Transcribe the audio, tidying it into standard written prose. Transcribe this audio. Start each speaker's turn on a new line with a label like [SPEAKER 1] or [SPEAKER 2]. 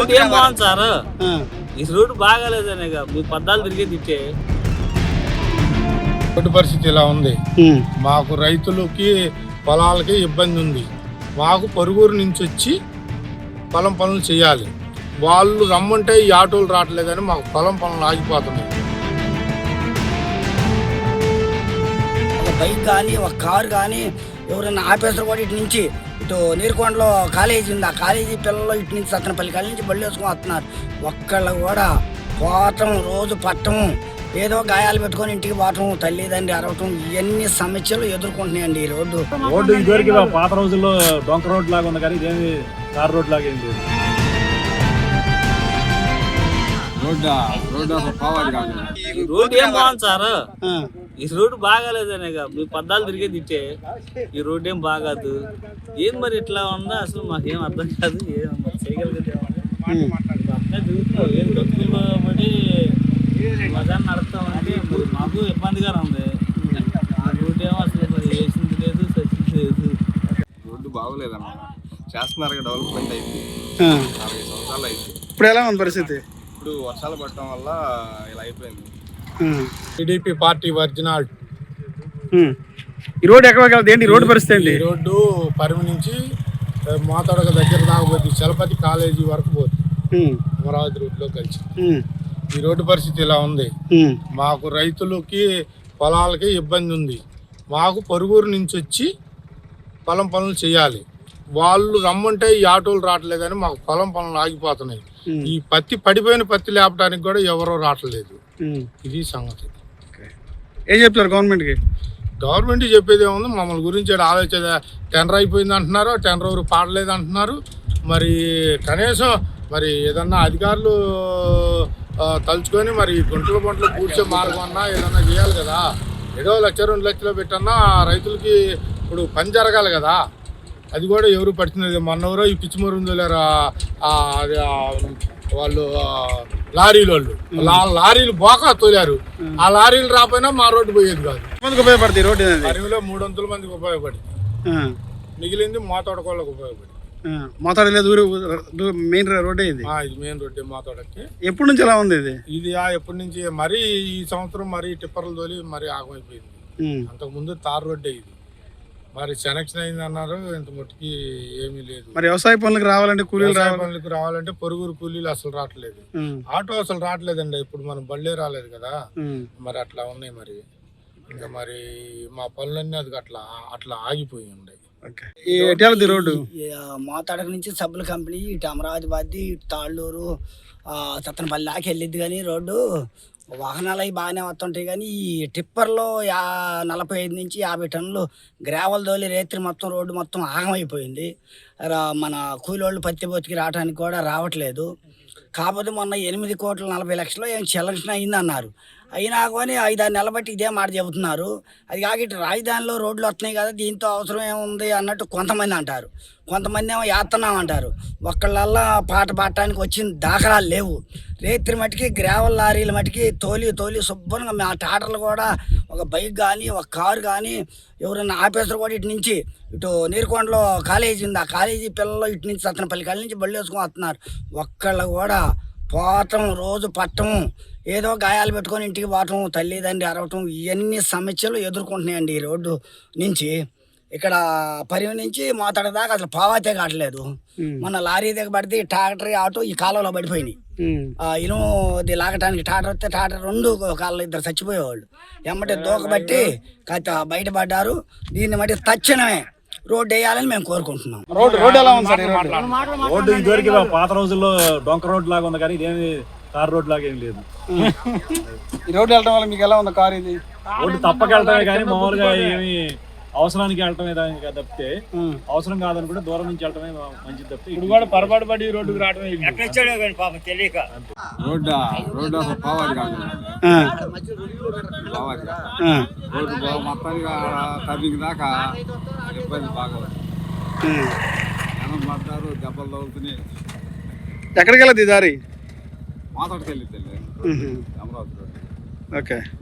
[SPEAKER 1] Road ఏం బాగుంది sir, ఈ రోడ్డు బాగాలేదనే మీ పద్దాలు తిరిగేది ఇచ్చే.
[SPEAKER 2] రోడ్డు పరిస్థితి ఇలా ఉంది. మాకు రైతులకి పొలాలకి ఇబ్బంది ఉంది. మాకు పొరుగురు నుంచి వచ్చి పొలం పనులు చేయాలి. వాళ్ళు రమ్మంటే ఈ ఆటోలు రావట్లేదని మాకు పొలం పనులు ఆగిపోతున్నాయి.
[SPEAKER 3] ఒక బైక్ కానీ ఒక కారు కానీ ఎవరైనా ఆఫీసర్ కూడా ఇటు నుంచి ఇటు నీరుకొండలో కాలేజీ ఉంది, ఆ కాలేజీ పిల్లలు ఇటు నుంచి సత్తనపల్లి కాలేజీ నుంచి బళ్ళు వేసుకొని వస్తున్నారు. ఒక్కళ్ళు కూడా పోవటం, రోజు పట్టం, ఏదో గాయాలు పెట్టుకొని ఇంటికి పోవటం, తల్లిదండ్రి అరవటం, ఇవన్నీ సమస్యలు ఎదుర్కొంటున్నాయండి ఈ రోడ్డు.
[SPEAKER 4] ఇదివరకు పాత రోజుల్లో డొంక రోడ్ లాగా ఉంది కానీ ఇదేమి కార్ రోడ్ లాగా ఏం లేదు.
[SPEAKER 1] రోడ్ ఏం బాగుంది సార్, ఈ రోడ్డు బాగాలేదనే మీ పద్దాలు తిరిగేది ఇచ్చే. ఈ రోడ్డు ఏం బాగాదు. ఏం మరి ఇట్లా ఉందా అసలు మాకేం అర్థం కాదు. ఏం మరి చేయగలిగితే ఏం డబ్బులు పడి మజాన్ని నడుపుతామంటే మరి మాకు ఇబ్బందిగానే ఉంది. రోడ్డు ఏమో అసలు మరి వేసింది లేదు, సచ్చింది లేదు.
[SPEAKER 5] రోడ్డు బాగోలేదన్న, చేస్తున్నారు, డెవలప్మెంట్ అయింది, 40 సంవత్సరాలు అయింది.
[SPEAKER 6] ఇప్పుడు ఎలా ఉంది పరిస్థితి?
[SPEAKER 5] ఇప్పుడు వర్షాలు పడటం వల్ల ఇలా అయిపోయింది.
[SPEAKER 2] TDP party original.
[SPEAKER 6] ఈ రోడ్డు ఎక్కడ ఏంటి రోడ్డు పరిస్థితి ఏంటి?
[SPEAKER 2] ఈ రోడ్డు పరిమి నుంచి మోతడక దగ్గర దాకా పోతుంది, చలపతి కాలేజీ వరకు పోతుంది, అమరావతి రోడ్లో కలిసి. ఈ రోడ్డు పరిస్థితి ఇలా ఉంది. మాకు రైతులకి పొలాలకి ఇబ్బంది ఉంది. మాకు పొరుగురు నుంచి వచ్చి పొలం పనులు చేయాలి. వాళ్ళు రమ్మంటే ఈ ఆటోలు రావట్లేదని మాకు పొలం పనులు ఆగిపోతున్నాయి. ఈ పత్తి పడిపోయిన పత్తి లేపడానికి కూడా ఎవరో రావట్లేదు. ఇది సంగతి.
[SPEAKER 6] ఏం చెప్తారు గవర్నమెంట్కి?
[SPEAKER 2] గవర్నమెంట్ చెప్పేది ఏముంది, మమ్మల్ని గురించి ఆలోచన. టెండర్ అయిపోయింది అంటున్నారు, టెండర్ ఎవరు పాడలేదు అంటున్నారు. మరి కనీసం మరి ఏదన్నా అధికారులు తలుచుకొని మరి గుంటల పూడ్చే మార్గం అన్నా ఏదన్నా చేయాలి కదా. ఏదో 1,00,000 2 లక్షలు పెట్టన్నా రైతులకి ఇప్పుడు పని జరగాలి కదా. అది కూడా ఎవరు పడుతున్నది. మొన్నెవరో ఈ పిచ్చిమరుందు తోలారు వాళ్ళు, లారీలు బోకా తోలారు. ఆ లారీలు రాపోయినా మా రోడ్డు పోయేది కాదు.
[SPEAKER 6] మందికి ఉపయోగపడుతుంది రోడ్డు?
[SPEAKER 2] పరిమిలో 300 మందికి ఉపయోగపడింది, మిగిలింది మోతోడకోళ్ళకి ఉపయోగపడింది.
[SPEAKER 6] మోతాడు లేదు, మెయిన్ రోడ్డే ఇది.
[SPEAKER 2] ఇది మెయిన్ రోడ్డే మోతోడకి.
[SPEAKER 6] ఎప్పటి నుంచి ఎలా ఉంది ఇది?
[SPEAKER 2] ఇది ఎప్పటి నుంచి మరీ ఈ సంవత్సరం మరీ టిప్పర్లు తోలి మరీ ఆగమైపోయింది. అంతకుముందు తార్ రోడ్డే ఇది. మరి సెలక్షన్ అయింది అన్నారు, ఇంత మట్టుకి ఏమీ లేదు.
[SPEAKER 6] మరి వ్యవసాయ పనులకు రావాలంటే కూలీలు
[SPEAKER 2] పనులకు రావాలంటే పొరుగురు కూలీలు అసలు రావట్లేదు. ఆటో అసలు రావట్లేదండి. ఇప్పుడు మనం బళ్ళే రాలేదు కదా, మరి అట్లా ఉన్నాయి. మరి ఇంకా మరి మా పనులన్నీ అది అట్లా ఆగిపోయి ఉన్నాయి.
[SPEAKER 6] రోడ్డు
[SPEAKER 3] మోతాడక నుంచి సబ్బుల కంపెనీ ఇటు అమరావతి బాద్ది, ఇటు తాళ్ళూరు, సత్తనపల్లి దాకా వెళ్ళిద్ది. కానీ రోడ్డు వాహనాలు అవి బాగానే వస్తుంటాయి. కానీ ఈ టిప్పర్లో 45 నుంచి 50 టన్నులు గ్రావెల్ తోలి రేత్రి మొత్తం రోడ్డు మొత్తం ఆగమైపోయింది. మన కూలోళ్ళు పత్తి బొత్తికి రావడానికి కూడా రావట్లేదు. కాకపోతే మొన్న 8,40,00,000 ఏం చెల్లించిన అయింది అన్నారు. అయినా కానీ 5-6 నెలల బట్టి ఇదే మాట చెబుతున్నారు. అది కాక ఇటు రాజధానిలో రోడ్లు వస్తున్నాయి కదా, దీంతో అవసరం ఏముంది అన్నట్టు కొంతమంది అంటారు. కొంతమంది ఏమో వేస్తున్నామంటారు. ఒక్కళ్ళల్లా పాట పాడటానికి వచ్చిన దాఖలాలు లేవు. రేత్రి మటుకి గ్రావెల్ లారీల మటుకి తోలి శుభ్రంగా మా టాటర్లు కూడా ఒక బైక్ కానీ ఒక కారు కానీ ఎవరైనా ఆఫీసర్ కూడా ఇటు నుంచి ఇటు నీరుకొండలో కాలేజీ ఉంది, ఆ కాలేజీ పిల్లలు ఇటు నుంచి సత్తనపల్లి కాలేజీ నుంచి బళ్ళు వేసుకొని వస్తున్నారు. ఒక్కళ్ళు కూడా పోవటం, రోజు పట్టం, ఏదో గాయాలు పెట్టుకొని ఇంటికి పోవటం, తల్లిదండ్రి అరవటం, ఇవన్నీ సమస్యలు ఎదుర్కొంటున్నాయండి ఈ రోడ్డు నుంచి. ఇక్కడ పరిమి నుంచి మోతాడ దాకా అసలు పావాతే కావట్లేదు. మొన్న లారీ దగ్గర పడితే ట్రాక్టర్, ఆటో ఈ కాలంలో పడిపోయినాయి. ఇనుది లాగటానికి ట్రాక్టర్ వస్తే ట్రాక్టర్ 2 కాళ్ళు 2 చచ్చిపోయేవాళ్ళు. ఎమ్మటి దూకబట్టి బయటపడ్డారు. దీన్ని బట్టి తక్షణమే రోడ్డు వేయాలని మేము కోరుకుంటున్నాం.
[SPEAKER 6] రోడ్డు ఎలా ఉంది సార్?
[SPEAKER 4] రోడ్డు ఇదివరకు పాత రోజుల్లో డొంక రోడ్ లాగా ఉంది కానీ ఇదేమి కార్ రోడ్ లాగా ఏం లేదు.
[SPEAKER 6] ఈ రోడ్డు వెళ్ళడం వల్ల మీకు ఎలా ఉంది? కార్ ఇది
[SPEAKER 4] రోడ్డు తప్పక వెళ్ళటమే కానీ మామూలుగా ఏమి అవసరానికి వెళ్ళటమే తప్పితే, అవసరం కాదని కూడా దూరం నుంచి వెళ్ళటమే మంచిది తప్పితే ఇప్పుడు కూడా పొరపాటు పడి రోడ్డుకు రావడమే.
[SPEAKER 5] తెలియక రోడ్డు అసలు పావాలి కాదు, రోడ్డు మొత్తానికి టర్నింగ్ దాకా ఇబ్బంది బాగా జనం పడతారు, దెబ్బలు తగులుతున్నాయి.
[SPEAKER 6] ఎక్కడికి వెళ్ళదు ఈ దారి?
[SPEAKER 5] మాతోటికి వెళ్ళిద్దండి, అమరావతి రోడ్డు.
[SPEAKER 6] ఓకే.